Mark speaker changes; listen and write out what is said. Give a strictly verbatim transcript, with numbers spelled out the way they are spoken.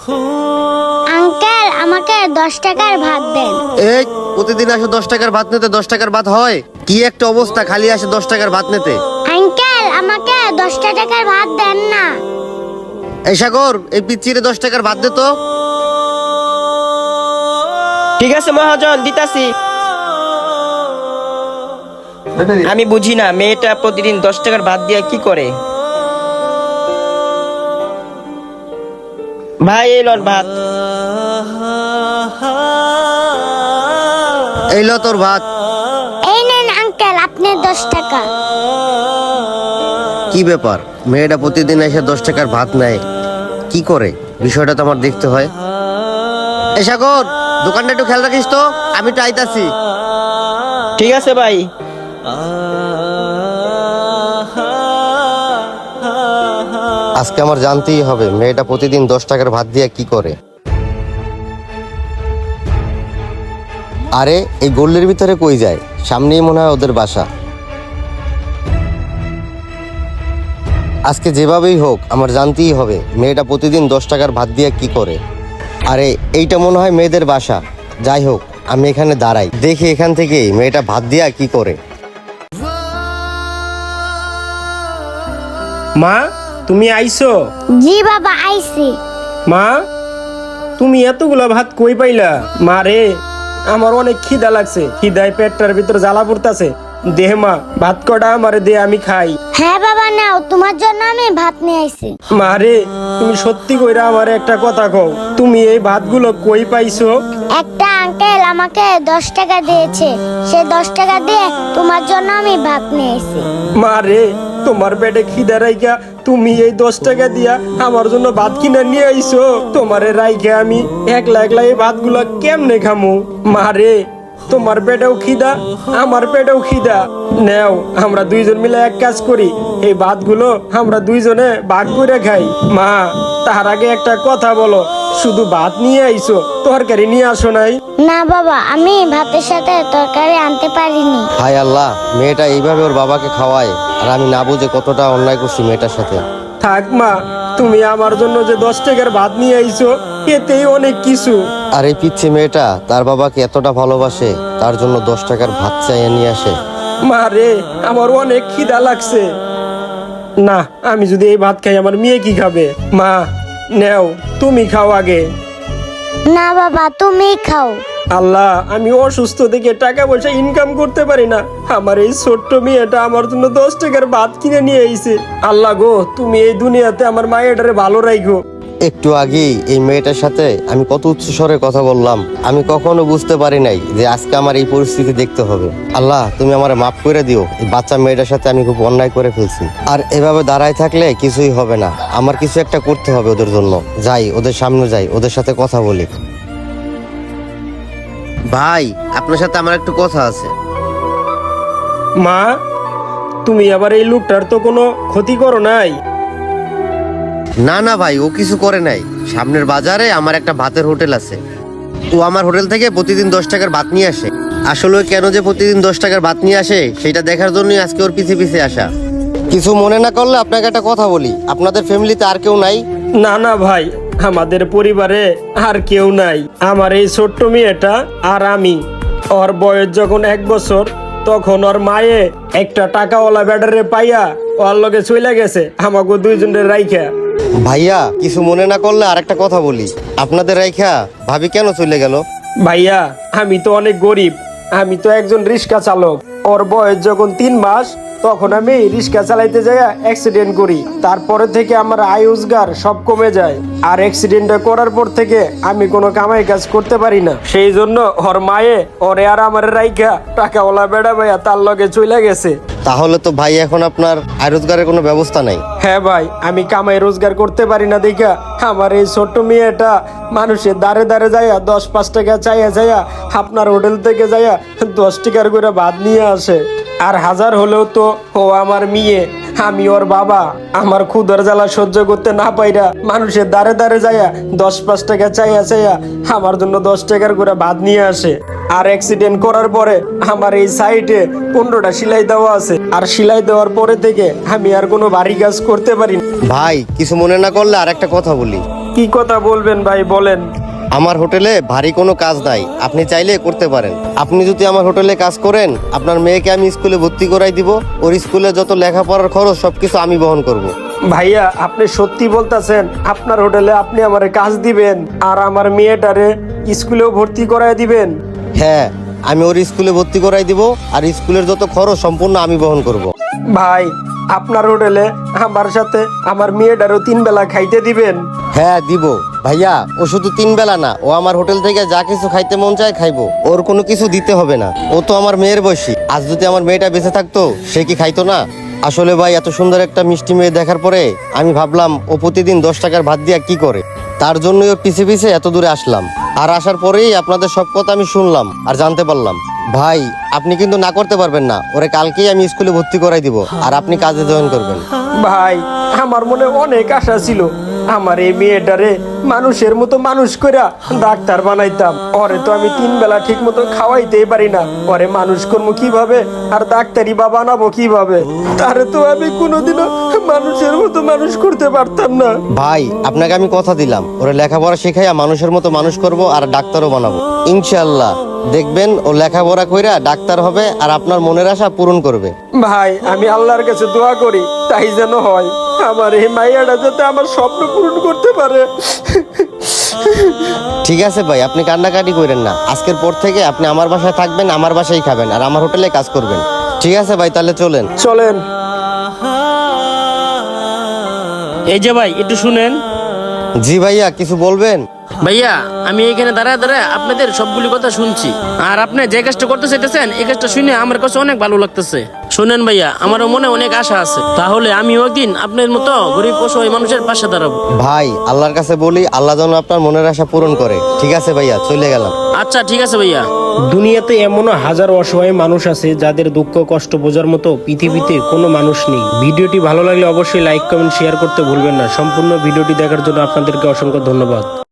Speaker 1: Uncle আমাকে দশ টাকার ভাত দেন।
Speaker 2: এই প্রতিদিন আসে দশ টাকার ভাত নিতে, দশ টাকার ভাত হয়? কি একটা অবস্থা, খালি আসে দশ টাকার ভাত নিতে।
Speaker 1: আঙ্কেল আমাকে দশটা টাকার ভাত দেন না।
Speaker 2: এই সাগর, এই পিচ্চিরে দশ টাকার ভাত দে তো।
Speaker 3: ঠিক আছে মহাজন, দিতাছি। আমি বুঝি না মেয়েটা প্রতিদিন দশ টাকার ভাত দিয়ে কি করে। ভাই এই লন ভাত।
Speaker 2: এই লো তোর ভাত।
Speaker 1: এই নেন আঙ্কেল আপনার দশ টাকা।
Speaker 2: কি ব্যাপার, মেয়েটা প্রতিদিন এসে দশ টাকার ভাত নেয়, কি করে? বিষয়টা তো আমার দেখতে হয়। এই সাগর, দোকানটা একটু খেয়াল রাখিস তো, আমি তো আইতাছি।
Speaker 3: ঠিক আছে ভাই।
Speaker 2: আজকে আমার জানতেই হবে মেয়েটা প্রতিদিন দশ টাকার ভাত দিয়ে কি করে। আরে এই গল্লির ভিতরে কই যায়? সামনেই মনে হয় ওদের বাসা। আজকে যেভাবেই হোক আমার জানতেই হবে মেয়েটা প্রতিদিন দশ টাকার ভাত দিয়ে কি করে। আরে এইটা মনে হয় মেয়েদের বাসা। যাই হোক, আমি এখানে দাঁড়াই, দেখি এখান থেকে মেয়েটা ভাত দিয়া কি করে।
Speaker 4: মা, তুমি আইছো?
Speaker 1: জি বাবা আইছি।
Speaker 4: মা, তুমি এতগুলা ভাত কই পাইলা? মা রে, আমার অনেক খিদা লাগছে, খিদায় পেটটার ভিতর জ্বালা পড়তাছে। দেহ মা, ভাত কটা আমারে দে, আমি খাই।
Speaker 1: হ্যাঁ বাবা নাও, তোমার জন্য আমি ভাত নিয়ে আইছি।
Speaker 4: মা রে, তুমি সত্যি কইরা আমার একটা কথা কও, তুমি এই ভাতগুলো কই পাইছো?
Speaker 1: একটা আঙ্কেল আমাকে দশ টাকা দিয়েছে, সে দশ টাকা দিয়ে তোমার জন্য আমি ভাত নিয়ে আইছি।
Speaker 4: মা রে, তোমার পেটে খিদা রাইখা তুমি এই দশ টাকা দিয়া আমার জন্য ভাত কিনে নিয়ে আইছো। তোমারে রাইখা আমি একলা একলা এই ভাতগুলো কেমনে খামু? মা রে, তোমার পেটেও খিদা, আমার পেটেও খিদা। নেও, আমরা দুইজন মিলে এক কাজ করি, এই ভাতগুলো আমরা দুইজনে ভাগ করে খাই। মা, তার আগে একটা কথা বলো, শুধু ভাত নিয়ে আইছো, তরকারি নিয়ে আসো নাই?
Speaker 1: না বাবা, আমি ভাতের সাথে তরকারি আনতে পারিনি।
Speaker 2: হায় আল্লাহ, মেয়েটা এইভাবে ওর বাবাকে খাওয়ায়, আর আমি না বুঝে কতটা অন্যায় করছি মেয়েটার সাথে।
Speaker 4: থাক মা, তুমি আমার জন্য যে দশ টাকার ভাত নিয়ে আইছো এতেই অনেক কিছু।
Speaker 2: আর এই পিচ্ছি মেয়েটা তার বাবাকে এতটা ভালোবাসে, তার জন্য দশ টাকার ভাত চাইয়ে নিয়ে আসে।
Speaker 4: মা রে, আমার অনেক খিদা লাগছে। না, আমি যদি এই ভাত খাই আমার মেয়ে কি খাবে? মা, নেও, তুমি খাও আগে।
Speaker 1: না বাবা, তুমি খাও।
Speaker 4: আল্লাহ, আমি অসুস্থ থেকে টাকা পয়সা ইনকাম করতে পারি না, আমার এই ছোট্ট মেয়েটা আমার জন্য দশ টাকার ভাত কিনে নিয়ে আইছে। আল্লাহ গো, তুমি এই দুনিয়াতে আমার মায়েটারে ভালো রাখো।
Speaker 2: একটু আগেই এই মেয়েটার সাথে আমি কত উচ্চ স্বরে কথা বললাম, আমি কখনো বুঝতে পারি নাই যে আজকে আমার এই পরিস্থিতি দেখতে হবে। আল্লাহ, তুমি আমারে মাফ করে দিও, এই বাচ্চা মেয়েটার সাথে আমি খুব অন্যায় করে ফেলছি। আর এভাবে দাঁড়ায় থাকলে কিছুই হবে না, আমার কিছু একটা করতে হবে ওদের জন্য। যাই, ওদের সামনে যাই, ওদের সাথে কথা বলি। ভাই, আপনার সাথে আমার একটু কথা আছে।
Speaker 4: মা, তুমি আবার এই লোকটার তো কোনো ক্ষতি করো নাই?
Speaker 2: না না ভাই, ও কিছু করে নাই। সামনের বাজারে আমার একটা ভাতের হোটেল আছে, ও আমার হোটেল থেকে প্রতিদিন দশ টাকার ভাত নিয়ে আসে। আসলে ও কেন যে প্রতিদিন দশ টাকার ভাত নিয়ে আসে সেটা দেখার জন্যই আজকে ওর পিছে পিছে আসা। কিছু মনে না করলে আপনাকে একটা কথা বলি, আপনাদের ফ্যামিলিতে আর কেউ নাই?
Speaker 4: না না ভাই, আমাদের পরিবারে আর কেউ নাই। আমার এই ছোট্ট মেয়েটা আর আমি। ওর বয়স যখন এক বছর, তখন ওর মায়ে একটা টাকাওয়ালা ব্যাটারে পাইয়া ওর লগে চলে গেছে আমাকে দুইজনের রাইখা।
Speaker 2: ভাইয়া, কিছু মনে না করলে আর একটা কথা বলি, আপনাদের রাইখা ভাবি কেন চলে গেল?
Speaker 4: ভাইয়া, আমি তো অনেক গরিব, আমি তো একজন রিক্সা চালক। ওর বয়স যখন তিন মাস, তখন আমি রিক্সা চালাইতে যাই অ্যাক্সিডেন্ট করি। তারপরে থেকে আমার আয় রোজগার সব কমে যায়, আর অ্যাক্সিডেন্টটা করার পর থেকে আমি কোনো কামাই কাজ করতে পারি না। সেই জন্য ওর মায়ে ওরে আর আমার রাইখা টাকাওয়ালা বেড়া ভাইয়া তার লগে চলে গেছে।
Speaker 2: তাহলে তো ভাই এখন আপনার আয় রোজগারের কোনো ব্যবস্থা নাই?
Speaker 4: হ্যাঁ ভাই, আমি কামাই রোজগার করতে পারি না দেখা আমার এই ছোট্ট মেয়েটা মানুষের দাঁড়ে দাঁড়ে যাইয়া দশ পাঁচ টাকা চাইয়া যাইয়া আপনার হোটেল থেকে যাইয়া দশ টাকার করে ভাত নিয়ে আসে। আর হাজার হলেও তো ও আমার মেয়ে, আমি ওর বাবা। আমার ক্ষুধার জ্বালা সহ্য করতে না পাইরা মানুষের দাঁড়ে দাঁড়ে যাইয়া দশ পাঁচ টাকা চাইয়া চাইয়া আমার জন্য দশ টাকার করে ভাত নিয়ে আসে। আর অ্যাক্সিডেন্ট করার পরে আমার এই সাইডে পনেরোটা সেলাই দেওয়া আছে, আর সেলাই দেওয়ার পরে থেকে আমি আর কোনো বাড়ি কাজ করতে পারি না।
Speaker 2: ভাই, কিছু মনে না করলে আর একটা কথা বলি,
Speaker 4: কি কথা বলবেন ভাই, বলেন।
Speaker 2: আমার হোটেলে ভারী কোনো কাজ নাই, আপনি চাইলে করতে পারেন। আপনি যদি আমার হোটেলে কাজ করেন, আপনার মেয়েকে আমি স্কুলে ভর্তি করাই দিব। ওর স্কুলে যত লেখাপড়ার খরচ সবকিছু আমি বহন করব।
Speaker 4: ভাইয়া, আপনি সত্যি বলতেছেন আপনার হোটেলে আপনি আমারে কাজ দিবেন আর আমার মেয়েটারে স্কুলেও ভর্তি করায় দিবেন?
Speaker 2: হ্যাঁ, আমি ওর স্কুলে ভর্তি করাই দিব, আর স্কুলের যত খরচ সম্পূর্ণ আমি বহন করব।
Speaker 4: ভাই, আপনার হোটেলে আমার সাথে আমার মেয়েটারও তিন বেলা খাইতে দিবেন?
Speaker 2: হ্যাঁ দিব ভাইয়া। ও শুধু তিন বেলা না, ও আমার হোটেল থেকে যা কিছু খাইতে মন চায় খাইবো। ওর কোনো কিছু দিতে হবে না, ও তো আমার মেয়ের বয়সী। আজ যদি আমার মেয়েটা বেঁচে থাকতো, সে কি খাইতো না? আসলে ভাই, এত সুন্দর একটা মিষ্টি মেয়ে দেখার পরে আমি ভাবলাম ও প্রতিদিন দশ টাকার ভাত দিয়া কি করে। তার জন্যই ওর পিছে পিছে এত দূরে আসলাম। আর আসার পরেই আপনাদের সব কথা আমি শুনলাম আর জানতে পারলাম। ভাই, আপনি কিন্তু না করতে পারবেন না। ওরে কালকেই আমি স্কুলে ভর্তি করাই দিব, আর আপনি কাজে জয়েন করবেন।
Speaker 4: ভাই, আমার মনে অনেক আশা ছিল আমার এই মেয়েটারে মানুষের মতো মানুষ কইরা ডাক্তার বানাইতাম। ওরে তো আমি তিন বেলা ঠিক মতো খাওয়াইতেই পারি না, ওরে মানুষ করবো কিভাবে আর ডাক্তারি বা বানাবো কিভাবে? তারে তো আমি কোনোদিনও মানুষের মতো মানুষ করতে পারতাম না।
Speaker 2: ভাই, আপনাকে আমি কথা দিলাম, ওরে লেখাপড়া শেখাইয়া মানুষের মতো মানুষ করব, আর ডাক্তারও বানাবো ইনশাআল্লাহ। দেখবেন ও লেখাপড়া কইরা ডাক্তার হবে আর আপনার মনের আশা পূরণ করবে।
Speaker 4: ভাই, আমি আল্লাহর কাছে দোয়া করি তাই যেন হয়, আমার এই মাইয়াটা যাতে আমার স্বপ্ন পূরণ করতে পারে।
Speaker 2: ঠিক আছে ভাই, আপনি কান্নাকাটি করেন না। আজকের পর থেকে আপনি আমার বাসায় থাকবেন, আমার বাসায় খাবেন, আর আমার হোটেলে কাজ করবেন। ঠিক আছে ভাই, তাহলে চলেন।
Speaker 4: চলেন।
Speaker 5: এই যে ভাই, একটু শুনেন।
Speaker 2: জি ভাইয়া, কিছু বলবেন?
Speaker 5: ভাইয়া, আমি এখানে দাঁড়ায় দাঁড়ায় আপনাদের সবগুলি কথা শুনছি, আর আপনি যে কাজটা করতে চাইতেছেন এই কাজটা শুনে আমার কাছে অনেক ভালো লাগতেছে। শুনেন ভাইয়া, আমারও মনে অনেক আশা আছে, তাহলে আমিও একদিন আপনার মতো গরিব অসহায় মানুষের পাশে দাঁড়াবো।
Speaker 2: ভাই, আল্লাহর কাছে বলি আল্লাহ যেন আপনার মনের আশা পূরণ করে। ঠিক আছে ভাইয়া, চলে গেলাম।
Speaker 5: আচ্ছা ঠিক আছে ভাইয়া।
Speaker 4: দুনিয়াতে এমনও হাজারো অসহায় মানুষ আছে যাদের দুঃখ কষ্ট বোঝার মতো পৃথিবীতে কোনো মানুষ নেই। ভিডিওটি ভালো লাগলে অবশ্যই লাইক কমেন্ট শেয়ার করতে ভুলবেন না। সম্পূর্ণ ভিডিওটি দেখার জন্য আপনাদেরকে অসংখ্য ধন্যবাদ।